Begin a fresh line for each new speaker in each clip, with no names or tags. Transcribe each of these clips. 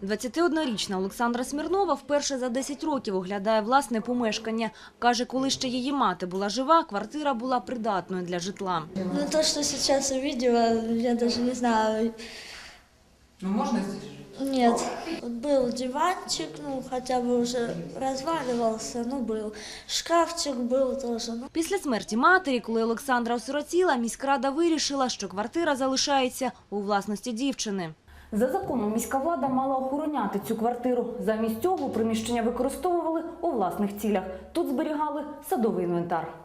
21-річна Олександра Смірнова вперше за 10 років оглядає власне помешкання. Каже, коли ще її мати була жива, квартира була придатною для житла.
Ну, то, что сейчас увидела, я даже не знаю.
Ну, можно здесь жить?
Нет. Вот был диванчик, ну, хотя бы уже разваливался, ну, был. Шкафчик был тоже. Ну.
Після смерті матері, коли Олександра осиротіла, міськрада вирішила, що квартира залишається у власності дівчини. За законом міська влада мала охороняти цю квартиру. Замість цього приміщення використовували у власних цілях. Тут зберігали садовий інвентар.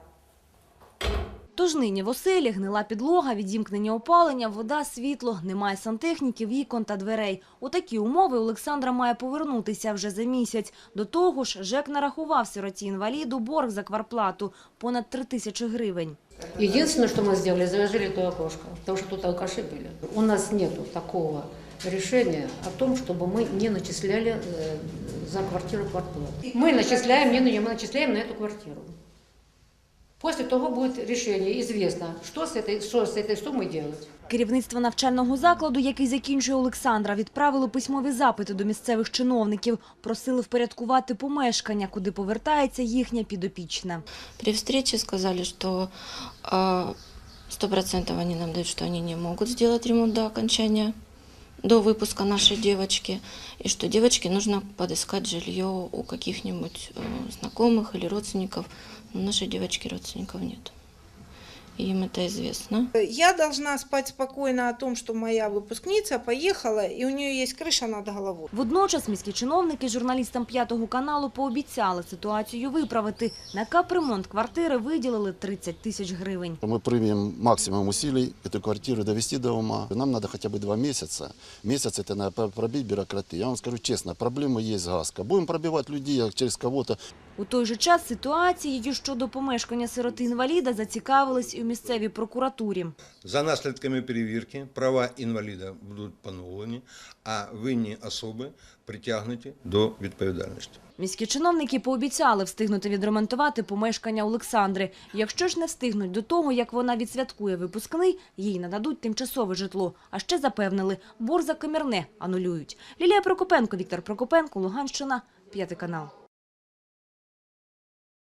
Тож нині в оселі гнила підлога, відімкнення опалення, вода, світло, немає сантехніки, вікон та дверей. У такі умови Олександра має повернутися вже за місяць. До того ж, ЖЕК нарахував сироті-інваліду борг за квартплату – понад 3000 гривень.
Единственное, что мы сделали, заложили то окошко, потому что тут алкаши были. У нас нет такого решения о том, чтобы мы не начисляли за квартиру квартплату. Мы начисляем, мы начисляем на эту квартиру. После того будет решение, известно, что с этой суммой делать.
Керівництво навчального закладу, який закінчує Олександра, відправило письмові запити до місцевих чиновників. Просили впорядкувати помешкання, куди повертається їхня підопічна.
При встрече сказали, что 100% они нам дают, что они не могут сделать ремонт до окончания, до выпуска нашей девочки, и что девочке нужно подыскать жилье у каких-нибудь знакомых или родственников. Но у нашей девочки родственников нет. И им это известно.
Я должна спать спокойно о том, что моя выпускница поехала, и у нее есть крыша над головой.
Водночас міські чиновники журналістам «П'ятого каналу» пообіцяли ситуацію виправити. На капремонт квартири виділили 30 000 гривень.
Мы примем максимум усилий эту квартиру довести до ума. Нам надо хотя бы 2 месяца. Месяц это надо пробить бюрократию. Я вам скажу честно, проблема есть газка. Будем пробивать людей через кого-то.
У той же час ситуацією щодо помешкання сироти-інваліда зацікавились і у місцевій прокуратурі.
За наслідками перевірки права інваліда будуть поновлені, а винні особи притягнуті до відповідальності.
Міські чиновники пообіцяли встигнути відремонтувати помешкання Олександри. Якщо ж не встигнуть до того, як вона відсвяткує випускний, їй нададуть тимчасове житло. А ще запевнили, борг за комірне анулюють. Лілія Прокопенко, Віктор Прокопенко, Луганщина, 5 канал.